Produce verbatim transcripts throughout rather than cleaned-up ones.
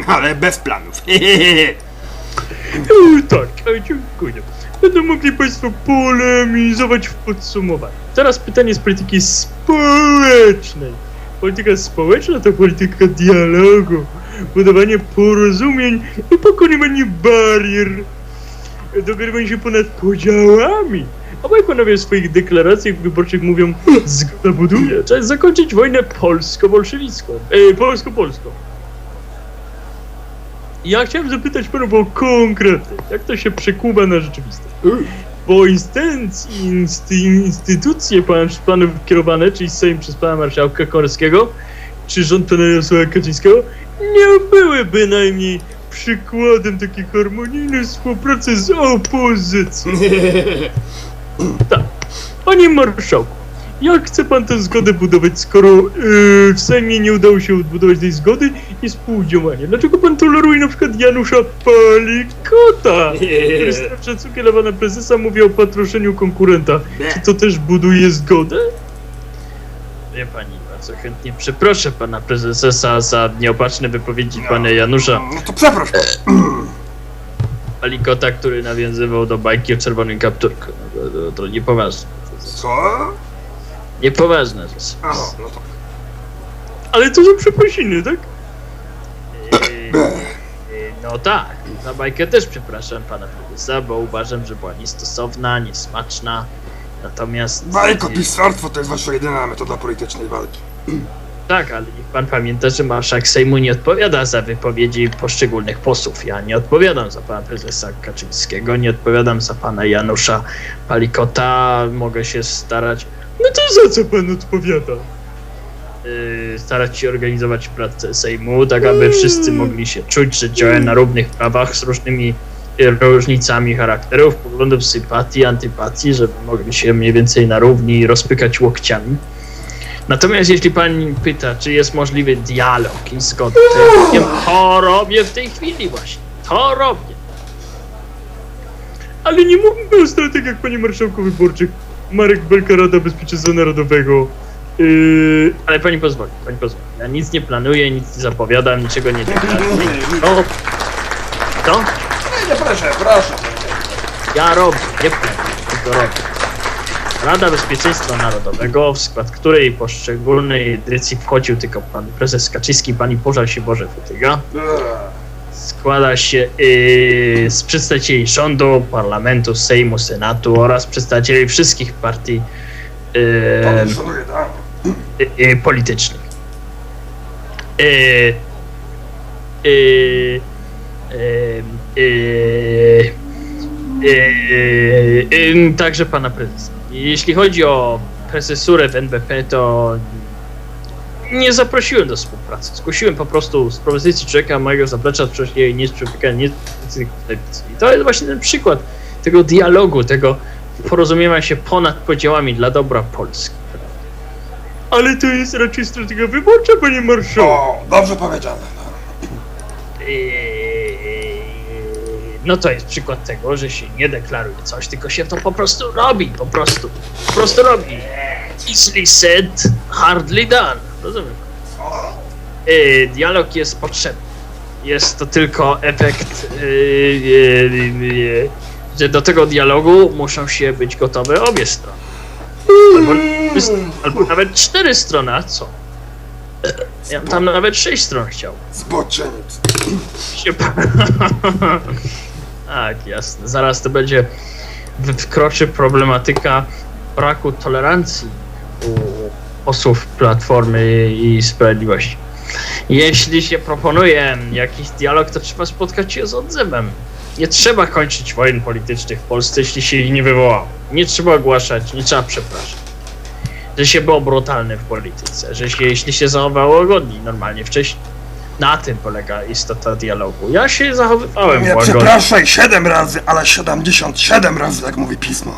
ale bez planów. O, tak, a dziękuję. Będą mogli Państwo polemizować w podsumowaniu. Teraz pytanie z polityki społecznej. Polityka społeczna to polityka dialogu, budowanie porozumień i pokonywanie barier, dogrywanie się ponad podziałami. Obaj panowie w swoich deklaracjach wyborczych mówią: zgoda buduje, trzeba zakończyć wojnę polsko-bolszewicką, e, polsko-polską. Ja chciałem zapytać panów o konkrety, jak to się przekuwa na rzeczywistość. Bo instytucje, insty, instytucje pan, planów kierowane, czyli Sejm przez pana marszałka Komorowskiego, czy rząd pana Jarosława Kaczyńskiego, nie były bynajmniej przykładem takiej harmonijnej współpracy z opozycją. Tak. Panie marszałku, jak chce pan tę zgodę budować, skoro yy, w Sejmie nie udało się odbudować tej zgody i współdziałania? Dlaczego pan toleruje na przykład Janusza Palikota, który z szacunkiem dla pana prezesa mówi o patroszeniu konkurenta? Czy to też buduje zgodę? Wie pani, bardzo chętnie przeproszę pana prezesa za nieopatrzne wypowiedzi no, pana Janusza. No to przeproś. Palikota, który nawiązywał do bajki o czerwonym kapturku. No, to, to, to niepoważne. Co? Niepoważna rzecz. Aha, no to... Ale to są przeprosiny, tak? Yy, yy, no tak, za bajkę też przepraszam pana prezesa, bo uważam, że była niestosowna, niesmaczna. Natomiast... Bajko, pisarstwo to jest wasza jedyna metoda politycznej walki. Tak, ale niech pan pamięta, że marszałek Sejmu nie odpowiada za wypowiedzi poszczególnych posłów. Ja nie odpowiadam za pana prezesa Kaczyńskiego, nie odpowiadam za pana Janusza Palikota. Mogę się starać... No to za co pan odpowiada? Yy, starać się organizować pracę Sejmu, tak aby wszyscy mogli się czuć, że działają na równych prawach z różnymi różnicami charakterów, poglądów, sympatii, antypatii, żeby mogli się mniej więcej na równi rozpykać łokciami. Natomiast jeśli pan pyta, czy jest możliwy dialog i zgoda, to ja powiem, to robię w tej chwili właśnie. To robię. Ale nie mówimy o strategiach, panie marszałku wyborczych. Marek Belka, Rada Bezpieczeństwa Narodowego. Yy, ale pani pozwoli, pani pozwoli. Ja nic nie planuję, nic nie zapowiadam, niczego nie deklaruję. No. Co? Nie, nie, proszę, proszę. Ja robię, nie planuję, tylko robię. Rada Bezpieczeństwa Narodowego, w skład której poszczególnej edycji wchodził tylko pan prezes Kaczyński i pani Pożar się Boże Futyga, składa się yy, z przedstawicieli rządu, parlamentu, Sejmu, Senatu oraz przedstawicieli wszystkich partii yy, yy, yy, politycznych. Yy, yy, yy, yy, yy, yy, także pana prezesa. Jeśli chodzi o prezesurę w N B P, to nie zaprosiłem do współpracy. Zgłosiłem po prostu z propozycji człowieka mojego zaplecza, wcześniej nie z człowieka, nie z telewizji. I to jest właśnie ten przykład tego dialogu, tego porozumiewania się ponad podziałami dla dobra Polski. Ale to jest raczej strategia wyborcza, panie marszałku. O, dobrze powiedziane. No to jest przykład tego, że się nie deklaruje coś, tylko się to po prostu robi, po prostu, po prostu robi. Easily said, hardly done. Rozumiem. Yy, dialog jest potrzebny. Jest to tylko efekt, yy, yy, yy, że do tego dialogu muszą się być gotowe obie strony. Albo, albo nawet cztery strony, a co? Ja bym tam nawet sześć stron chciał. Zboczeniec. Tak, jasne. Zaraz to będzie wkroczy problematyka braku tolerancji u posłów Platformy i Sprawiedliwości. Jeśli się proponuje jakiś dialog, to trzeba spotkać się z odzewem. Nie trzeba kończyć wojen politycznych w Polsce, jeśli się ich nie wywołało. Nie trzeba ogłaszać, nie trzeba przepraszać. Że się było brutalne w polityce, że się, jeśli się zachowało łagodniej normalnie wcześniej. Na tym polega istota dialogu. Ja się zachowywałem Nie łagodnie. przepraszaj siedem razy, ale siedemdziesiąt siedem razy, jak mówi pismo.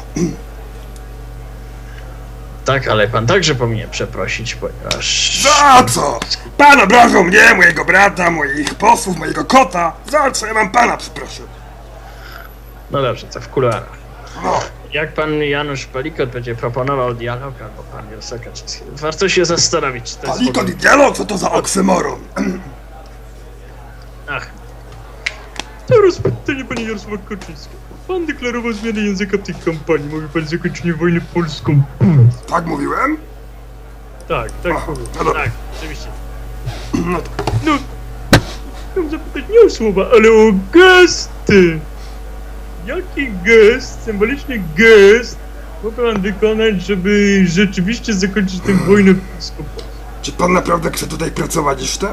Tak, ale pan także powinien przeprosić, ponieważ... Za co? Pan obrażał mnie, mojego brata, moich posłów, mojego kota. Za co ja mam pana przeprosić? No dobrze, to w kuluarach. No. Jak pan Janusz Palikot będzie proponował dialog, albo pan Jarosław Kaczyński, warto się zastanowić, czy to jest... Palikot i dialog? Co to za oksymoron? Ach. Teraz pytanie panie Jarosława Kaczyńskiego. Pan deklarował zmianę języka w tej kampanii. Mówi pan zakończenie wojny polską. Tak mówiłem? Tak, tak, Aha, mówię. no dobra. Tak, oczywiście. No tak. No, chciałem zapytać nie o słowa, ale o gesty. Jaki gest, symboliczny gest mógł pan wykonać, żeby rzeczywiście zakończyć tę wojnę polską? Czy pan naprawdę chce tutaj pracować jeszcze?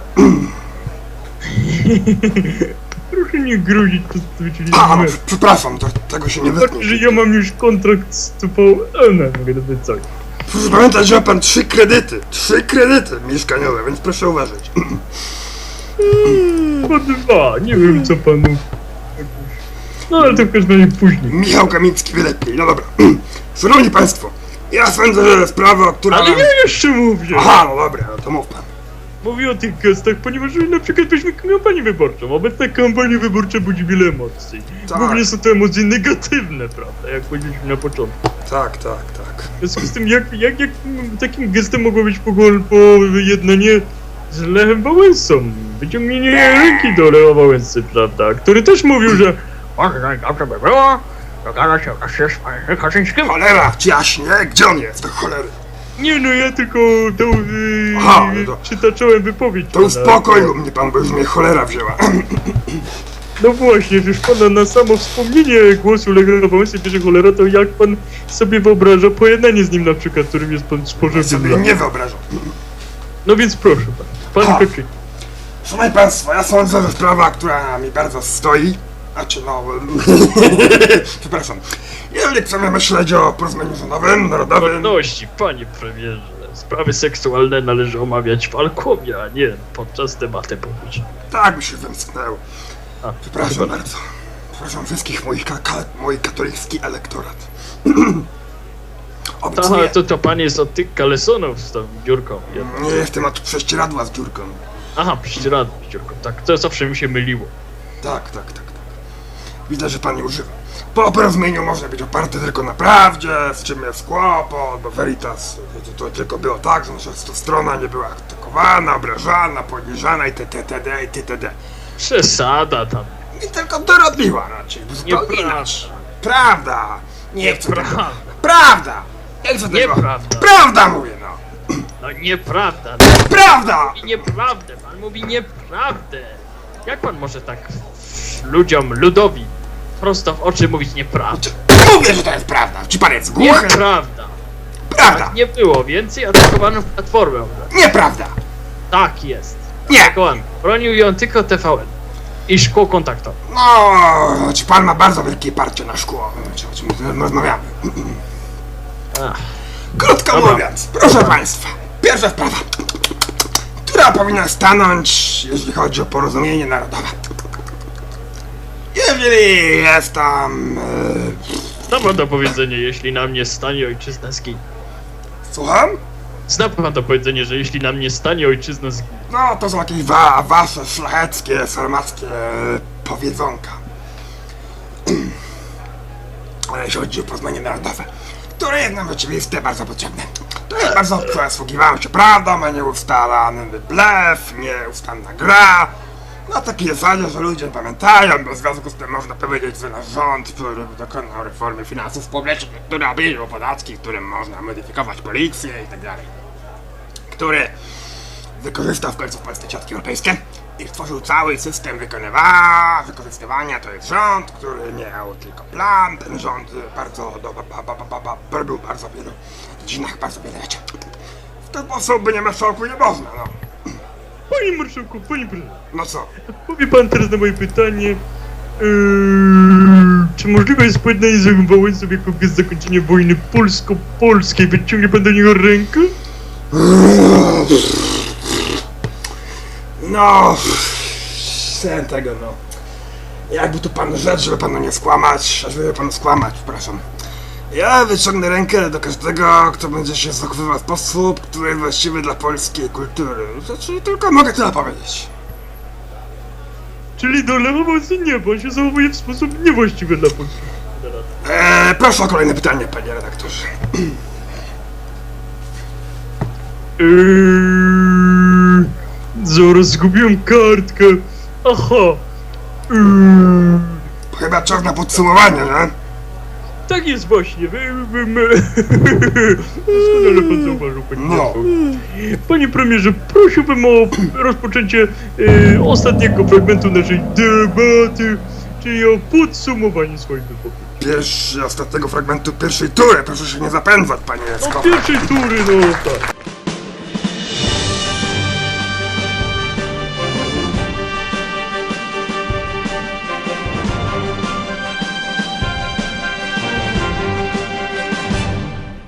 Proszę nie grozić przedstawicieli A, no, mediów. przepraszam, to, tego się nie Znaczy, wytnie. że ja mam już kontrakt z T V N, mogę nawet coś. Proszę pamiętać, że ma pan trzy kredyty. Trzy kredyty mieszkaniowe, więc proszę uważać. Chyba dwa, nie wiem co panu... No ale to w każdym razie później. Michał Kamiński wie lepiej, no dobra. Szanowni państwo, ja sądzę, że sprawa, która... Ale nam- ja jeszcze mówię! Aha, no dobra, no to mów pan. Mówię o tych gestach, ponieważ na przykład weźmy kampanię wyborczą. Obecna kampania wyborcza budzi wiele emocji. Tak. Głównie są to emocje negatywne, prawda, jak powiedzieliśmy na początku. Tak, tak, tak. W związku z tym, jak, jak, jak takim gestem mogło być pojednanie z Lechem Wałęsą? Wyciągnięcie ręki do Lecha Wałęsy, prawda, który też mówił, że może najdobrze by było dogadać się wreszcie z panem Kaczyńskim. Cholera, jaśnie, gdzie on jest, do cholery? Nie no, ja tylko tą yy, Aha, no to- przytaczałem wypowiedź. To uspokoił mnie pan, bo już mnie cholera wzięła. No właśnie, wiesz pana, na samo wspomnienie głosu Lecha Wałęsy bierze cholera, to jak pan sobie wyobraża pojednanie z nim na przykład, którym jest pan spożywczy Sobie dla... nie wyobrażam. No więc proszę pan, pan Ha. Kaczyński. Szanowni państwo, ja sądzę, że sprawa, która mi bardzo stoi, a czy no... Przepraszam. Jeżeli chcemy myśleć o porozumieniu rządowym, narodowym... Wolności, panie premierze, sprawy seksualne należy omawiać w alkowie, a nie podczas debaty publicznej. Tak mi się wymsknęło. A, Przepraszam chyba- bardzo. Przepraszam wszystkich moich ka- ka- mój katolicki elektorat. Aha, Obiecuję. to to pan jest od tych kalesonów z tą dziurką. Ja- Nie jestem od prześcieradła z dziurką. Aha, prześcieradło z dziurką, tak, to zawsze mi się myliło. Tak, tak, tak, tak. Widzę, że pan nie używa. Po porozumieniu może być oparte tylko na prawdzie, z czym jest kłopot, bo Veritas to, to tylko było tak, że nasza strona nie była atakowana, obrażana, poniżana i tdd, i tdd. Przesada tam. I tylko dorobiła raczej, bo zupełnie Nieprawda. inaczej. Prawda! Nie chcę tego. Nieprawda. Prawda! Nie chcę tego. Nieprawda. Prawda mówię, no! No nieprawda, Prawda! mówi nieprawdę, pan mówi nieprawdę. Jak pan może tak ludziom, ludowi prosto w oczy mówić nieprawdę? Mówię, że to jest prawda! Czy pan jest głuchy? Nieprawda. Prawda! Tak nie było, więcej atakowano w Platformę. Obywatelską. Nieprawda! Tak jest. Nie! Atakowano. Bronił ją tylko T V N. I szkło kontaktowe. No, czy pan ma bardzo wielkie parcie na szkło, o czym my rozmawiamy. Ach, Krótko Dobra. mówiąc, proszę państwa, pierwsza sprawa, która powinna stanąć, jeśli chodzi o porozumienie narodowe. Jeżeli jest tam... E, zna pan to powiedzenie, jeśli na mnie stanie ojczyzna zginie. słucham? Zna pan to powiedzenie, że jeśli na mnie stanie ojczyzna zginie. No, to są jakieś wa wasze szlacheckie, sarmackie powiedzonka. Ale jeśli chodzi o porozumienie narodowe, które jest nam rzeczywiste, bardzo potrzebne. To jest bardzo przysługiwało się prawdą, a nie ustalany blef, nieustanna gra. Na takiej zasadzie, że ludzie pamiętają, bo w związku z tym można powiedzieć, że nasz rząd, który dokonał reformy finansów publicznych, który obniżył podatki, którym można modyfikować policję i tak dalej, który wykorzystał w końcu w Polsce środki europejskie i stworzył cały system wykonywania, wykorzystywania. To jest rząd, który miał tylko plan. Ten rząd bardzo do, ba, ba, ba, ba, ba, robił bardzo wielu dziedzinach, bardzo wiele rzeczy. W ten sposób by nie marszałku nie można, no. Panie marszałku, panie prezydencie, No co? powie pan teraz na moje pytanie, yy, czy możliwe jest pojednanie z Lechem Wałęsą jako gest zakończenia wojny polsko-polskiej? Wyciągnie pan do niego rękę? No, sen tego, no. Jakby tu pan rzecz, żeby panu nie skłamać, żeby panu skłamać, przepraszam. Ja wyciągnę rękę do każdego, kto będzie się zachowywał w sposób, który jest właściwy dla polskiej kultury. Znaczy, tylko mogę tyle powiedzieć. Czyli do Lecha Wałęsy nie, bo on się zachowuje w sposób niewłaściwy dla Polski. Eee, proszę o kolejne pytanie, panie redaktorze. Eee, zaraz zgubiłem kartkę. Aha. Yy, Chyba czas na podsumowanie, nie? tak jest właśnie. Wy, wy, my. Doskonale pan zauważył, panie No. marszałku. Panie premierze, prosiłbym o rozpoczęcie e, ostatniego fragmentu naszej debaty, czyli o podsumowanie swoich wypowiedzi. Pierwszy, ostatniego fragmentu pierwszej tury, proszę się nie zapędzać, panie No Skowron. pierwszej tury, no tak.